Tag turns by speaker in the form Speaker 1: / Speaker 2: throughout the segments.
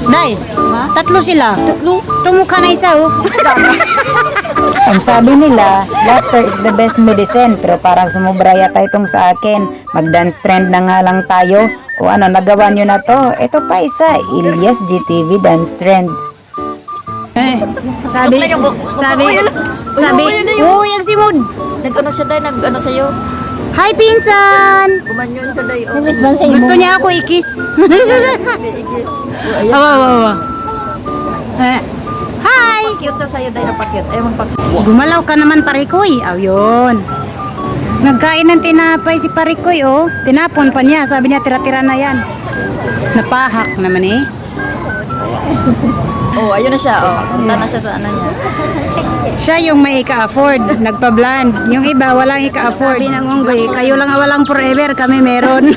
Speaker 1: Day, tatlo sila. Tatlo? Tumukha na isa, oh.
Speaker 2: Ang sabi nila, laughter is the best medicine. Pero parang sumubra yata itong sa akin. Mag-dance trend na nga lang tayo. O ano, nagawa nyo na to? Ito pa isa, Ilyas GTV Dance Trend.
Speaker 1: Sabi, yung simod.
Speaker 3: Nag-ano siya day, nag-ano sa'yo.
Speaker 1: Hi, pinsan!
Speaker 3: Gumanyon siya day.
Speaker 2: Nag-response sa'yo.
Speaker 1: Gusto niya ako ikis.
Speaker 3: Igis.
Speaker 1: Awa. Hi!
Speaker 3: Cute siya sa'yo day, napakute. Ayaw magpakute.
Speaker 1: Gumalaw ka naman, Parikoy. Aw, yun. Nagkain ng tinapay si Parikoy, oh. Tinapon pa niya. Sabi niya, tira-tira na yan. Napahak naman, eh.
Speaker 3: Oh, ayun na siya. Oh, punta na siya sa ano niya.
Speaker 1: Siya yung may ika-afford, nagpa-bland. Yung iba, walang ika-afford. Sabi ng unggoy, kayo lang walang forever, kami meron.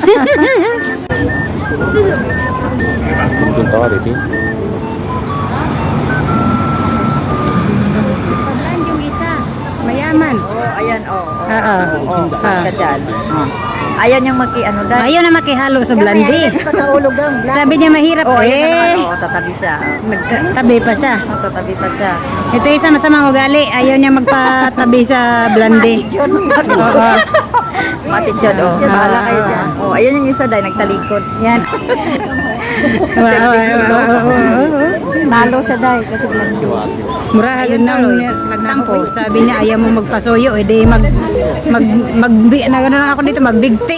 Speaker 1: Bland yung isa, mayaman.
Speaker 3: Oh, ayan, oh.
Speaker 1: Oo.
Speaker 3: Ka dyan. Ayaw niyang ano day.
Speaker 1: Ayaw na makihalo sa blandi.
Speaker 3: Sa ulog ang
Speaker 1: Sabi niya mahirap,
Speaker 3: Oh, ayun na
Speaker 1: eh.
Speaker 3: naman. Oh, tatabi siya.
Speaker 1: Nagtabi pa siya.
Speaker 3: Oh, tatabi pa siya.
Speaker 1: Ito isa masamang ugali, ayaw niya magpatabi sa blandi. Oo.
Speaker 3: Mati dyan, oh. Bahala kayo dyan. Oh, ayun yung isa day, nagtalikod.
Speaker 1: Yan.
Speaker 3: Talo siya day, kasi blandi.
Speaker 1: Mura agad na nagtampo. Sabi niya ayaw mo magpasuyo, edi na ako dito magbigti.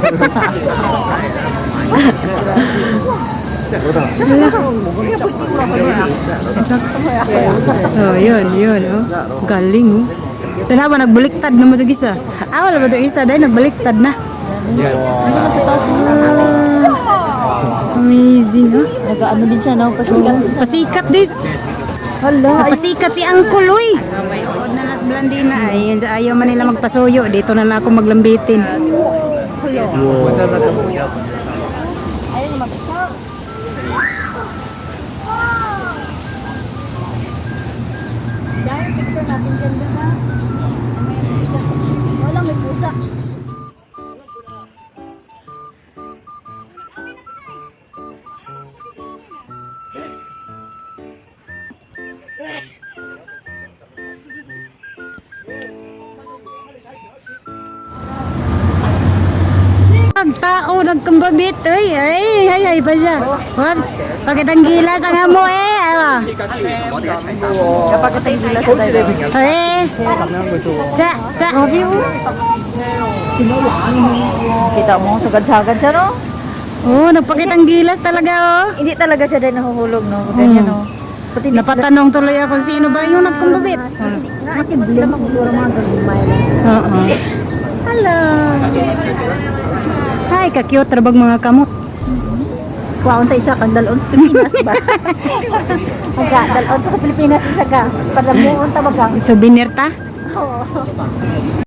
Speaker 1: Oh, yun, oh. Galing, oh. Tanawa, nagbaliktad na mo ito isa. Wala ba ito isa? Dahil nagbaliktad na. Amazing, oh.
Speaker 3: Nag-ano din siya, no?
Speaker 1: Pasikat this. Pasikat si Uncle, uy. May suod na nas blandina ay ayaw man nila magpasuyo. Dito na lang ako maglambitin.
Speaker 3: Wala, may pusa.
Speaker 1: Tao nagkambabit, ay pa siya. What? Pagkatang gilas ang amo, awa.
Speaker 3: Kapag katay gila sa day.
Speaker 1: Cha.
Speaker 3: Kita mo, sagad-sagad siya, no?
Speaker 1: Oh, nagpakitang gilas talaga, oh.
Speaker 3: Hindi talaga siya day nahuhulog, no? Ganyan, no? Pati
Speaker 1: Napatanong tuloy ako sino ba yung nagkambabit.
Speaker 3: Kasi blame siguro mga gagumay lang.
Speaker 1: Oo. Hello. Hi, ka-cute rabag mga kamot.
Speaker 3: Kuwaon tayo isa kang dalon sa Pilipinas ba? Magka, dalon ka sa Pilipinas isa ka. Para buon ta bagang.
Speaker 1: Souvenir ta?
Speaker 3: Oo.